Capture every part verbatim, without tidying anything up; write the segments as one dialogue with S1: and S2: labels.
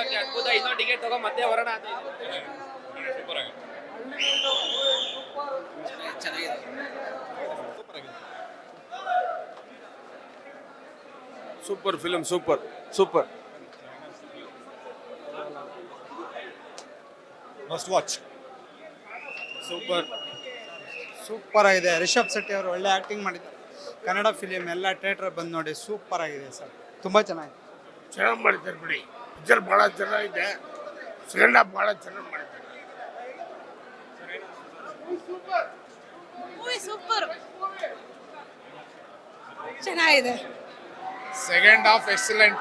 S1: ನಿಜವಾಗ್ಲೂ ಅದ್ಭುತ. ಇನ್ನೊಂದು ಟಿಕೆಟ್ ತಗೋ ಮತ್ತೆ ಬರೋಣ ಅಂತ
S2: ಸೂಪರ್ ಆಗಿದೆ.
S1: ಚೆನ್ನಾಗಿದೆ.
S3: Super film, super super.
S2: Must watch.
S3: Super
S4: super ಆಗಿದೆ. ರಿಷಬ್ ಶೆಟ್ಟಿ ಅವರು ಒಳ್ಳೆ ಆ್ಯಕ್ಟಿಂಗ್ ಮಾಡಿದ್ದಾರೆ. ಕನ್ನಡ ಫಿಲಿಮ್ ಎಲ್ಲ ಥಿಯೇಟ್ರ್ ಬಂದು ನೋಡಿ, ಸೂಪರ್ ಆಗಿದೆ ಸರ್, ತುಂಬ ಚೆನ್ನಾಗಿದೆ.
S5: ಚೆನ್ನಾಗಿ ಮಾಡಿದ್ದಾರೆ ಬಿಡಿ. ಪಿಕ್ಚರ್ ಭಾಳ ಚೆನ್ನಾಗಿದೆ. ಸೆಕೆಂಡ್ ಹಾಫ್ ಭಾಳ ಚೆನ್ನಾಗಿ ಮಾಡಿದ್ದಾರೆ.
S6: ಮೂವಿ ಸೂಪರ್ ಚೆನ್ನಾಗಿದೆ.
S2: Second half excellent.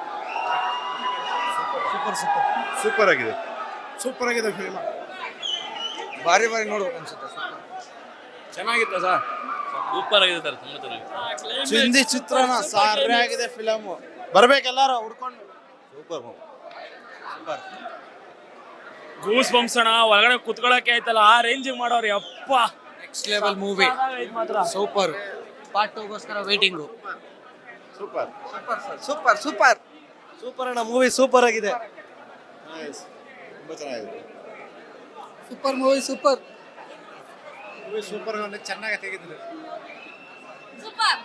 S4: Super super
S3: super ಆಗಿದೆ.
S4: ಸೂಪರ್ ಆಗಿದೆ ಫಿಲ್ಮ್.
S3: ಬಾರಿ ಬಾರಿ ನೋಡ್ಬೇಕು ಅನ್ಸುತ್ತೆ.
S1: ಚೆನ್ನಾಗಿತ್ತು ಸರ್. ಸೂಪರ್ ಆಗಿದೆ ಸರ್, ತುಂಬ ಚೆನ್ನಾಗಿದೆ.
S4: ಹಿಂದಿ ಚಿತ್ರನ ಸಾರಾಗಿದೆ ಫಿಲಮ್. ಬರ್ಬೇಕೆಲ್ಲಾರು ಹುಡ್ಕೊಂಡು.
S3: Super super.
S1: ಗೂಸ್ ಬಂಪ್ಸ್ ಅಣ್ಣ, ಒಳಗಡೆ ಕುತ್ಕೊಳ್ಳೋಕೆ ಆಯ್ತಲ್ಲ, ಆ ರೇಂಜ್ ಮಾಡೋರು ಯಪ್ಪ.
S4: Next level movie.
S1: ಮಾತ್ರ
S4: ಸೂಪರ್.
S1: ಪಾರ್ಟ್ ಟೂಗೋಸ್ಕರ waiting.
S3: Super
S4: super super super ಅಣ್ಣ, ಮೂವಿ ಸೂಪರ್ ಆಗಿದೆ.
S3: ತುಂಬ ಚೆನ್ನಾಗಿದೆ.
S4: Super movie, super
S3: movie super. ಚೆನ್ನಾಗಿ ತೆಗೆದಿದ್ದಾರೆ.
S6: ಸೂಪರ್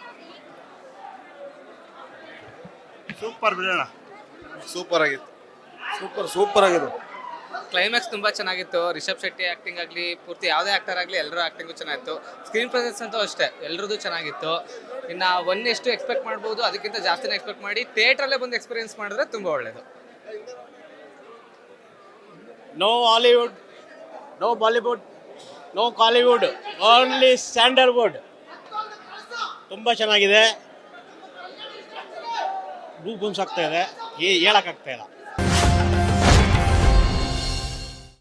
S3: ಸೂಪರ್ ಬಿಡೋಣ. ಸೂಪರ್ ಆಗಿತ್ತು. ಸೂಪರ್ ಸೂಪರ್ ಆಗಿದೆ.
S7: ಕ್ಲೈಮ್ಯಾಕ್ಸ್ ತುಂಬ ಚೆನ್ನಾಗಿತ್ತು. ರಿಷಬ್ ಶೆಟ್ಟಿ ಆ್ಯಕ್ಟಿಂಗ್ ಆಗಲಿ, ಪೂರ್ತಿ ಯಾವುದೇ ಆ್ಯಕ್ಟರ್ ಆಗಲಿ, ಎಲ್ಲರೂ ಆ್ಯಕ್ಟಿಂಗು ಚೆನ್ನಾಗಿತ್ತು. ಸ್ಕ್ರೀನ್ ಪ್ರೆಸೆನ್ಸ್ ಅಂತೂ ಅಷ್ಟೇ, ಎಲ್ಲರದ್ದು ಚೆನ್ನಾಗಿತ್ತು. ಇನ್ನು ಒನ್ ಎಷ್ಟು ಎಕ್ಸ್ಪೆಕ್ಟ್ ಮಾಡ್ಬೋದು, ಅದಕ್ಕಿಂತ ಜಾಸ್ತಿನೇ ಎಕ್ಸ್ಪೆಕ್ಟ್ ಮಾಡಿ ಥಿಯೇಟ್ರಲ್ಲೇ ಬಂದು ಎಕ್ಸ್ಪೀರಿಯನ್ಸ್ ಮಾಡಿದ್ರೆ ತುಂಬ ಒಳ್ಳೆಯದು.
S8: No Hollywood, no Bollywood, no Kollywood, only Sandalwood. ತುಂಬ ಚೆನ್ನಾಗಿದೆ. ಗೂಸ್ ಬಂಪ್ಸ್ ಆಗ್ತಾ ಇದೆ, ಹೇಳೋಕ್ಕಾಗ್ತಾ ಇಲ್ಲ.